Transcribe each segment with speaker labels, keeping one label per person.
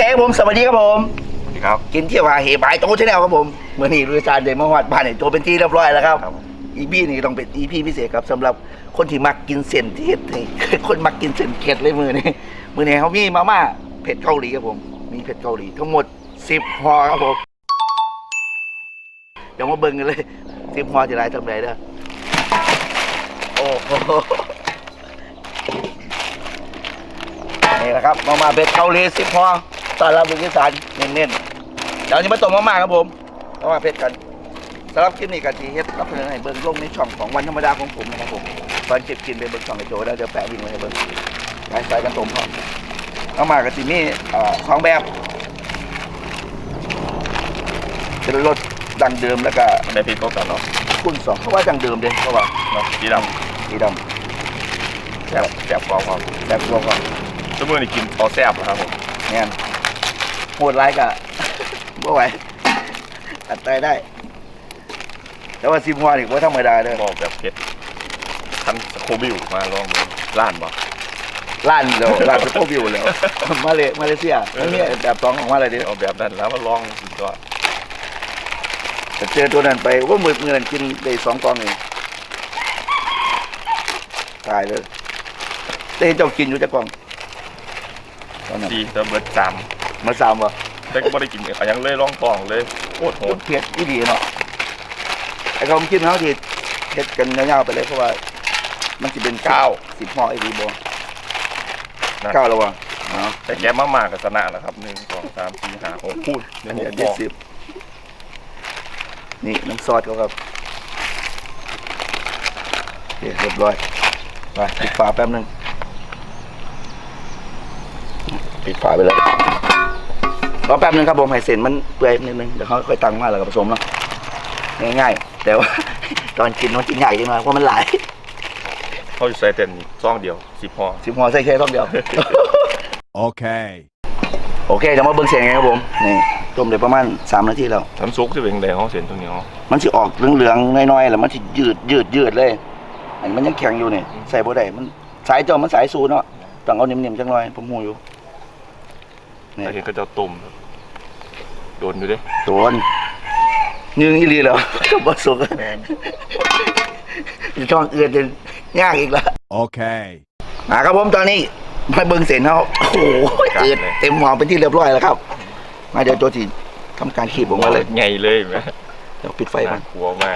Speaker 1: ผมสวัสดีครับผม
Speaker 2: สวัสดีครับ
Speaker 1: กินเที่ยวหาเฮบายโตชาแนลครับผมเมื่อนี้ลุยซานเดมฮอดบ้านเนี่ยโจเป็นที่เรียบร้อยแล้วครับอีพีนี่ต้องเป็นอีพีพิเศษครับสำหรับคนที่มักกินเส้นที่เฮ็ดให้คนมักกินเส้นเข็ดเลยมือนี้เขามีมาม่าเผ็ดเกาหลีครับผมมีเผ็ดเกาหลีทั้งหมด10ห่อครับผมเดี๋ยวมาเบิ่งกันเลย10ห่อจะได้ทำไรเด้อโอ้โหนี่แหละครับมาม่าเผ็ดเกาหลี10ห่อตอนรับลุยซานเน้นๆเดี๋ยวนี้มาต้มมาม่าครับผมมาม่าเผ็ดกันสำหรับคลิปนี้กันที่เฮ็ดรับเสนอให้เบิ่งลงในช่องของวันธรรมดาของผมนะครับผมตอนเก็บกินไปเบิ่งช่องไอโจแล้วเดี๋ยวแปะลิงก์ไว้ให้เบิ่งใส่กันต้มพร้อมมาม่ากันที่มี2แบบเป็นรสดังเดิมแล้วก็
Speaker 2: ได้พริกก็กันเนาะ
Speaker 1: คุณ2เพราะว่าดังเดิมเด้เพราะว่า
Speaker 2: เนาะสีดำแซ่บกว่าครับ
Speaker 1: แซ่บกว่า
Speaker 2: ชั่วโมงนี้กินเอาแซ่บครับผม
Speaker 1: เนี่ยโหดร้ายกะบ่ไหวอัดใจได้แต่ว่า10ห่อนี่บ่ธรรมดาเด้อ
Speaker 2: บอกแบบเผ็ดทันโคบิวมาลองดูร้านบ่
Speaker 1: ร้านสโคบิวแล้วมาเลเซียมันมีแบบ2ของมาเลยดิ
Speaker 2: เอาแบบนั้นแล้วมาลองกินก็
Speaker 1: เจอตัวนั้นไปว่ามือนั้นกินได้2กล่องเองตายเลยแต่เจ้ากินอยู่จักกล่อง
Speaker 2: ตอนนั้นดีแต่เบิด3
Speaker 1: มา3บ่
Speaker 2: แต่ก็บ่ได้กินยังเลยลองกล่องเลยโคตรโหด
Speaker 1: เผ็ดอีหลีเนาะไอ้เขาคิดเฮาที่เฮ็ดกันยาวๆไปเลยเพราะว่ามันสิเป็น10ห่ออีหลีบ่9แล้วว่ะเนาะ
Speaker 2: แต่แกมากๆก็ชนะแล้วครับ1 2 3 4 5 6พูด
Speaker 1: อันนี้10นี่น้ำซอสเขาครับโอเคเรียบร้อยไปปิดฝาแป๊บนึงปิดฝาไปเลยรอแป๊บนึงครับผมให้เส้นมันเปื่อยนิดนึงเดี๋ยวเขาค่อยตั้งมาแล้วก็ผสมเนาะง่ายๆแต่ว่าตอนกินมันกินใหญ่จังเลยเพราะมันหลาย
Speaker 2: เขาจะใส่เต็มซองเดียว10ห่อ
Speaker 1: ใส่แค่ซองเดียว
Speaker 3: โอเค
Speaker 1: เดี๋ยวมาเบิ่งเสียงไงครับผมนี่ต้มได้ประมาณ3 นาทีแล้ว
Speaker 2: ทำซุกจะเป็นแดงเขาเส้นตรงนี้
Speaker 1: มันสิออกเหลืองๆน้อยๆแล้วมันสิยืดเลยอันมันยังแข็งอยู่นี่ใส่บ่ได้มันสายเจ้ามันสายสูเนาะต้องเอานิ่มๆจังหน่อยผมฮู้อยู่
Speaker 2: นี่เห็นก็จะตุ่มโดนอยู่ดิ
Speaker 1: โดนยืงอีหลีแล้วก็บ่สุกช่องอื่นจะยากอีกแล้ว
Speaker 3: โอเค
Speaker 1: ครับผมตอนนี้มาเบิ่งเส้นเขาโอ้โหเต็มหม้อเป็นที่เรียบร้อยแล้วครับมาเดี๋ยวโจทีทำการขีบออกมาเลย
Speaker 2: ไงเลยไหม
Speaker 1: เดี๋ยวปิดไฟก่อน
Speaker 2: กลัวมาก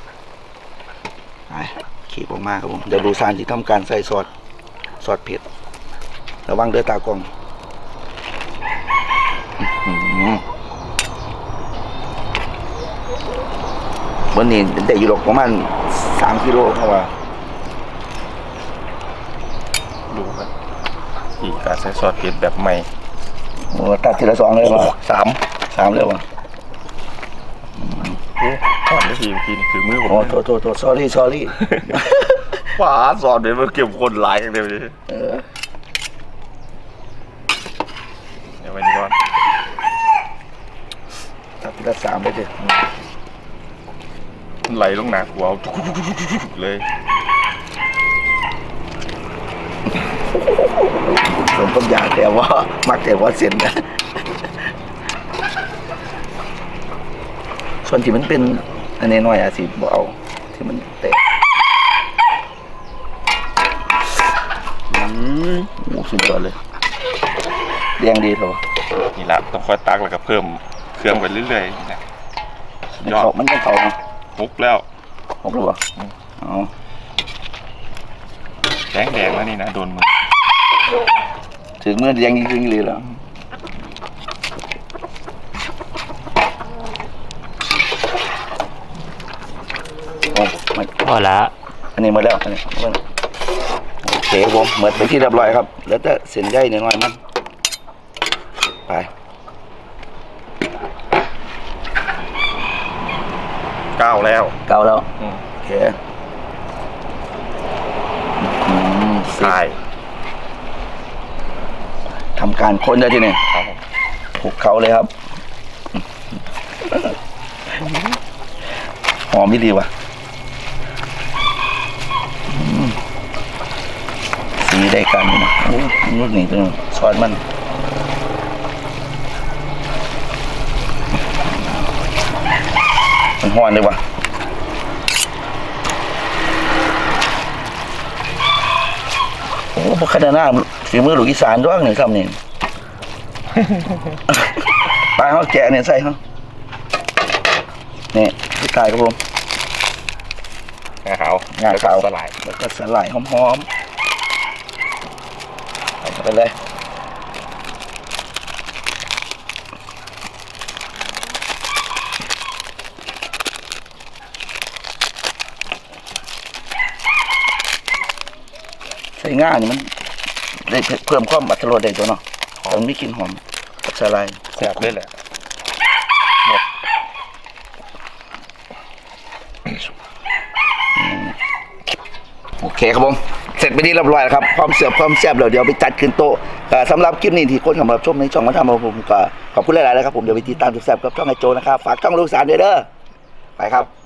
Speaker 1: ขีบออกมาครับผมเดี๋ยวดูซานที่ทำการใส่ซอสเผ็ดระวังเด้อตากล้องวันนี้ได้อยู่หรอกประมาณ3 กิโลเพราะว่า
Speaker 2: ดูครับอีกการใส่ซอสเผ็ดแบบใหม่
Speaker 1: โอ้ตัดทีละ2เลยวะ3เลยวะ
Speaker 2: ก่อนได้ทีคือมือผม
Speaker 1: โทษ sorry
Speaker 2: ว้าซอสเดี๋ยวมันเก็บคนหลายอย่างเดียวเลยเดี๋ยวไปดีก่อน
Speaker 1: ตัดทีละ3ไปเถอะ
Speaker 2: ไหลลงหนักหัวเลย
Speaker 1: สมต้นยาแต่ว่ามักแต่ว่าเส้นนะส่วนที่มันเป็นอันนี้น้อยอาสิบ่เอาที่มันแตกโอ้สุดยอดเลยแดงดีเถอะ
Speaker 2: นี่ละต้องค่อยตักแล้วก็เพิ่มเครื่องไปเรื่อยๆนะ
Speaker 1: ยอดมันก็เข่าเนาะ
Speaker 2: 6แล้ว
Speaker 1: ป่ะอ๋อ
Speaker 2: แดงแล้วนี่นะโดนมือ
Speaker 1: ถึงเมื่อแดงจริงๆเลยแล้ว
Speaker 2: พอละ
Speaker 1: อันนี้หมดแล้วอันนี้โอเคผมหมดไปที่เรียบร้อยครับแล้วแต่เส้นใยหน่อยมันไป
Speaker 2: 9แล้ว
Speaker 1: โอเค
Speaker 2: ใช่
Speaker 1: ทำการค้นได้ที่นี่ผูกเขาเลยครับหอมไม่ดีว่ะสีได้กันนะรุ่นนี้ตัวซอสมันห้อนเลยวะโอ้พวกขนาดหน้าฝีมือลูกอีสานด้วยหนึ่งคำนี่ ไปเขาแกะเนี่ยใส่เขานี่พี่กายครับผม
Speaker 2: งาขาว
Speaker 1: งาขาว
Speaker 2: สลาย
Speaker 1: แล้วก็สลายหอมๆใส่เข้าไปเลยใส่ง่านี่มันได้เพิ่มความอรรถรสได้ตัวเนาะมันมีกลิ่นหอมกับสลาย
Speaker 2: แซ่บเลยแหละ
Speaker 1: โอเคครับผมเสร็จไปที่เรียบร้อยแล้วครับความเสียบความแซ่บเดี๋ยวไปจัดขึ้นโต๊ะสำหรับคลิปนี้ที่คนเข้ามาชมในช่องมาทำของผมก็ขอบคุณหลายๆเลยครับผมเดี๋ยวไปติดตามแซ่บๆกับช่องไอโจนะครับฝากช่องลูกสารด้วยเด้อไปครับ